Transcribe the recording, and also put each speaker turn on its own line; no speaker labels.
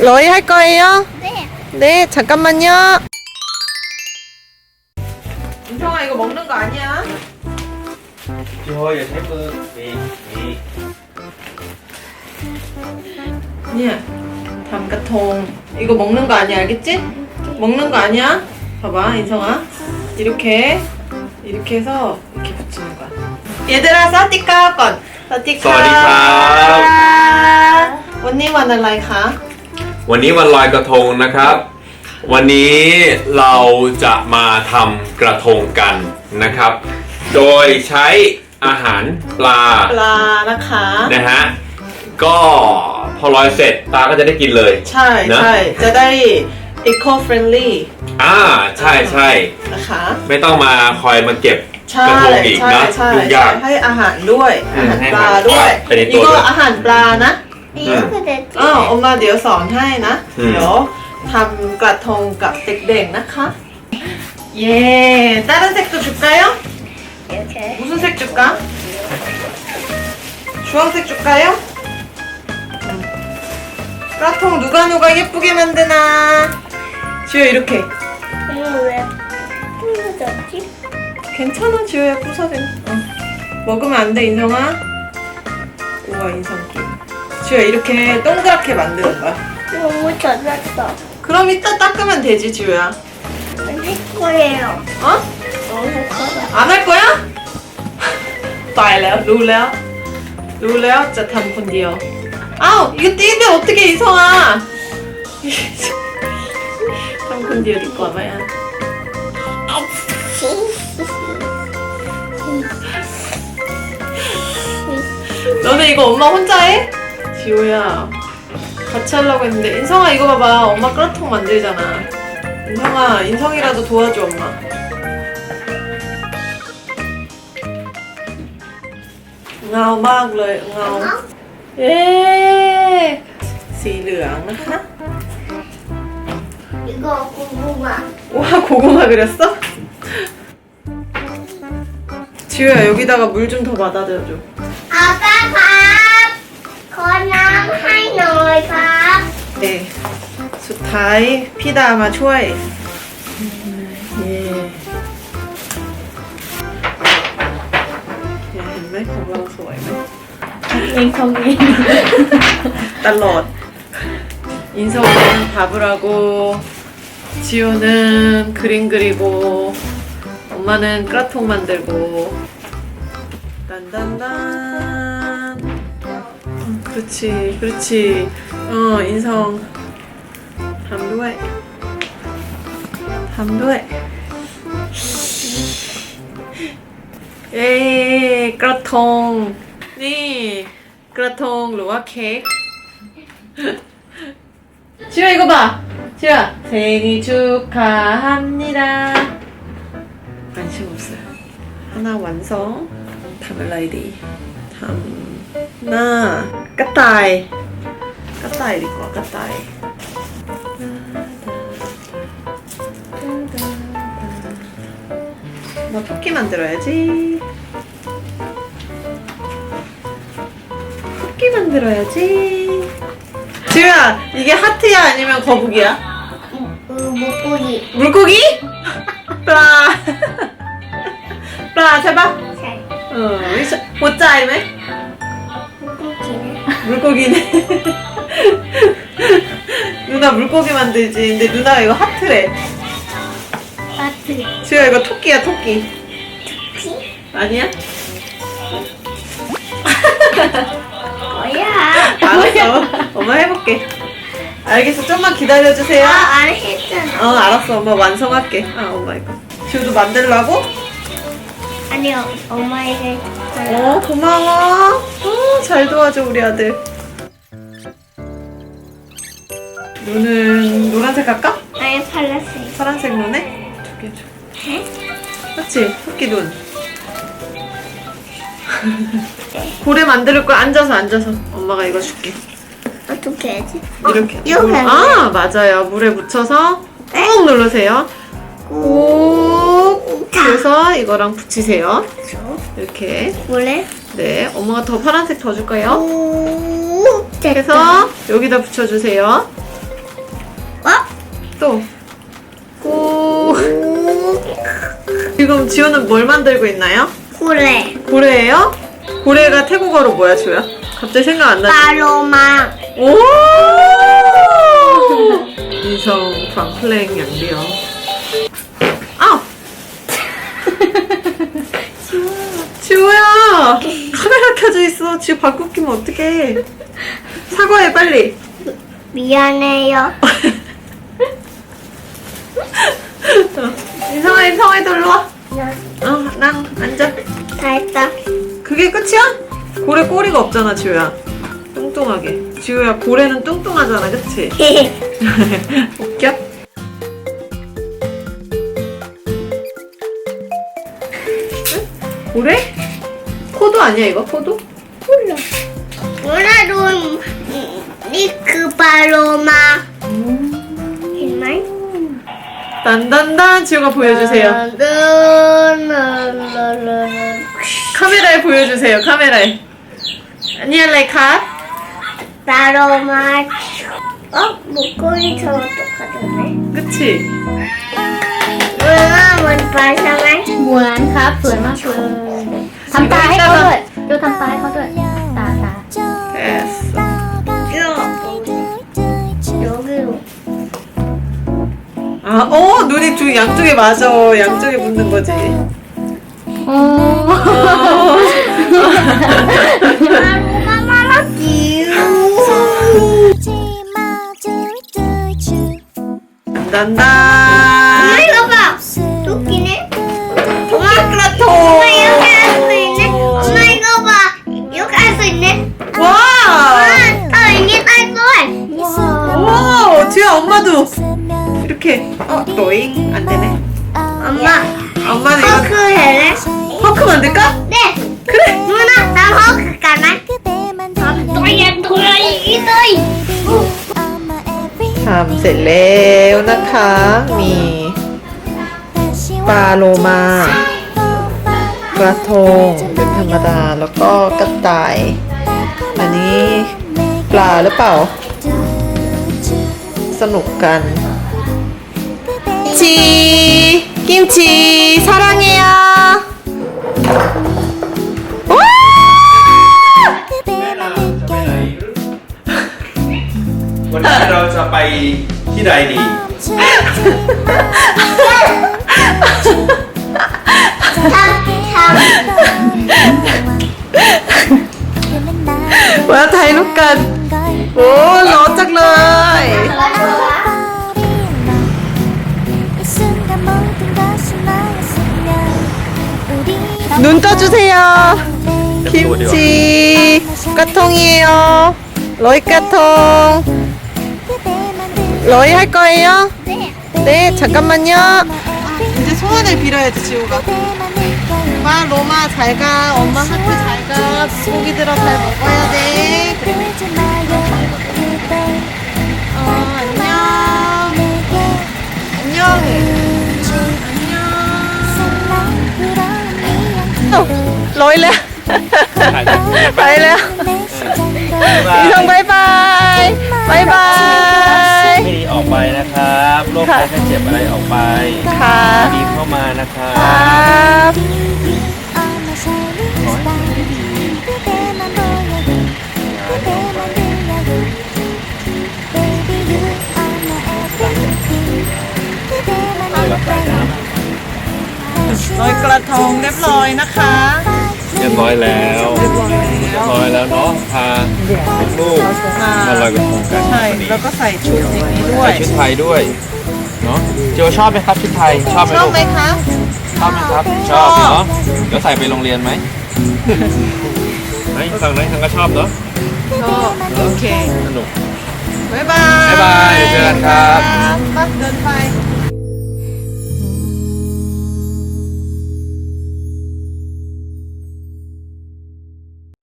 러이 할 거예요?
네.
네, 잠깐만요. 인성아, 이거 먹는 거 아니야?
พี่โฮอย่าใช้มือมี
아니야. 담가통. 이거 먹는 거 아니야, 알겠지? 먹는 거 아니야? 봐봐, 인성아. 이렇게 해서 이렇게 붙이는 거야. 얘들아, 사티카 건.
สวัสดีครับ
วันนี้วันอะไรคะ
วันนี้วันลอยกระทงนะครับ วันนี้เราจะมาทำกระทงกันนะครับ โดยใช้อาหารปลา
ปลานะคะ
นะฮะก็พอลอยเสร็จตาก็จะได้กินเลย
ใช่
นะ
ใช่จะได้ eco friendly
ใช่ใช่
นะคะ
ไม่ต้องมาคอยมาเก็บ
ใช่
กระทงอีก
ใช่
นะ
ใช่
ยุ่งยาก
ให้อาหารด้วย
อื
อาม หาร
ให้
ปลาด้วย
ไปในตัว
นี่ก็
ด้วย
อาหารปลานะ
이렇게 됐지.
อ้าวออกมาเดี๋ยวสอนให้นะ
อืม
เดี๋ยวทำกระทงกับเด็กๆนะคะ 예, 다른 색도 줄까요?
이렇게.
무슨 색 줄까? 주황색 줄까요? 까통 누가 예쁘게 만드나? 지효 이렇게.
이거 왜 부러졌지?
괜찮아 지효야 부서져. 먹으면 안 돼 인성아. 우와 인성기. 지효야 이렇게 동그랗게 만드는 거야.
너무 젖었어.
그럼 이따 닦으면 되지 지효야.
할 거예요.
어?
너무 커서.
안 할 거야? ตายแล้วรู้แล้วจะทำคนเดียวอ้าว이거 띄는데 어떻게 이성아 ทำคนเดียวดีกว่าไหมอ่ะ 너네 이거 엄마 혼자 해? 지호야 같이 하려고 했는데 인성아 이거 봐봐 엄마 끄라통 만들잖아 인성아 인성이라도 도와줘 엄마 응มากเลยเงาเย้สีเหลืองนะคะ
이거 고구마.
와 고구마 그렸어? 지호야 여기다가 물 좀 더 받아줘줘
아빠 밥. 거남 하이너이 밥.
네สุดท้าย พี่ดามาช่วยเย่เห็นไหมของเราสวยไหม
인성이.
ตลอด 인성은 밥을 하고 지호는 그림 그리고 엄마는 까통 만들고 딴딴딴 그렇지 인성 담도해เอ้กระทงนี่กระทงหรือว่าเค้ก 지효 이거 봐 지효야 생일 축하합니다 관심 없어요 하나 완성ทำอะไรดีทำหน้ากระต่ายดีกว่ากระต่าย나 토끼 만들어야지 지우야 이게 하트야 아니면 거북이야?
물고기.
물고기? 플라 플라 제발
잘.
못 짜이네
물고기네.
물고기네 누나 물고기 만들지 근데 누나가 이거 하트래
마트.
지우야 이거 토끼야 토끼
피?
아니야?
뭐야?
알았어 엄마 해볼게 알겠어 좀만 기다려주세요
안 했잖아.
알았어 엄마 완성할게 엄마 이거 지우도 만들라고?
아니요, 엄마에게.
고마워 잘 도와줘 우리 아들 눈은 노란색 할까?
아니, 팔랐어요.
파란색 눈에? 두 개 줘 그렇지 토끼 눈 고래 만들 거야 앉아서 엄마가 이거 줄게
어떻게 해야지?
이렇게
이렇게 하면
맞아요 물에 묻혀서 꾹 누르세요 꾹
자.
그래서 이거랑 붙이세요 이렇게
원래?
네 엄마가 더 파란색 더 줄까요?
오, 됐다.
해서 여기다 붙여주세요 또. 오. 지금 지호는 뭘 만들고 있나요?
그래.
고래예요? 고래가 태국어로 뭐야, 지호야? 갑자기 생각 안 나지?
파로마.
오! 인성 방플랭 양리요. 아! 지호야! 카메라 켜져 있어. 지호 바꾸 끼면 어떡해. 사과해, 빨리.
미안해요.
인성아, 놀러 와. 난 앉아.
다 했다.
그게 끝이야? 고래 꼬리가 없잖아, 지호야. 뚱뚱하게. 지호야, 고래는 뚱뚱하잖아, 그치? 웃겨? 고래? 포도 아니야, 이거? 포도?
몰라. 오늘은 니크 파로마. 정말?
단단단 지호가 보여주세요. 카메라에 보여주세요. 카메라에. 아니야, 카.
파로마. 목걸이처럼 똑같네.
그치?
มันปลาใช่ไหม
เหมือนครับสวยมากเลยทำตาให้เขาด้วยดูทำตาให้เขาด้วยตา
됐어.
여기로.
아, 눈이 양쪽에 맞아. 양쪽에 붙는 거지.
โอ้
파로마 귀여워.
단단단.
엄마 이거 봐. 토끼네. 엄마 그렇다. 엄마 이렇게 할 수 있네. 엄마 이거 봐. 이렇게 할 수 있네.
와!
더 있니 딸걸.
와! 지호야, 엄마도. 이렇게. 로잉. 안 되네.
엄마
엄마는
허크
이거.
해래?
허크 만들까?
네.
그래.
누나 나 허크 가나? 도야 이기다.
ทำเสร็จแล้วนะคะ มีปลาโลมากระทงเป็นธรรมดาแล้วก็กระต่าย อันนี้ปลาหรือเปล่า สนุกกันชีกิมชี사랑해요ว้า
วันนี้เราจะไปที่ใดดี
มาถ่ายรูปกัน โอ้ร้อนจังเลย 눈 떠주세요. 김치 까통이에요. 러이 까통. 러이 할 거예요? 네, 잠깐만요. 이제 소원을 빌어야지, 지호가. 엄마, 로마 잘 가. 엄마 하트 잘 가. 고기들아 잘 먹어야 돼. 그래. 안녕. 안녕. lôi lên bay lên Ý bye bye bye bye
ไม่ดีออกไปนะครับโรคภัยไข้เจ็บอะไรออกไป
ค่ะ
ดีเข้ามานะครับ
ครับ
ขอให้สิ่งที่ดีรักษาน้ำ
ลอยกระทงเรียบร้อยนะคะ
เรียบร้อยแล้วเรียบร้อยแล้วเนาะพาลูกๆมาลอยกระทงกัน
ใช่
วันนี้
แล้วก็ใส่ชุดอย่างนี้ด้ว
ใส่
ย
ชุดไทยด้วยเนาะเจียวชอบไหมครับชุดไทยชอบไหม
ชอบ
ลูก
ไหมคะ
ชอบไหมครับชอบเนาะแล้วใส่ไปโรงเรียนไหมไหนฝั่งไหนทางก็ชอบเนาะ
ชอบโอเค
สนุก
บ๊ายบาย
บ๊ายบายเดี๋ยวเจอกันครับ
ปั๊บเดินไป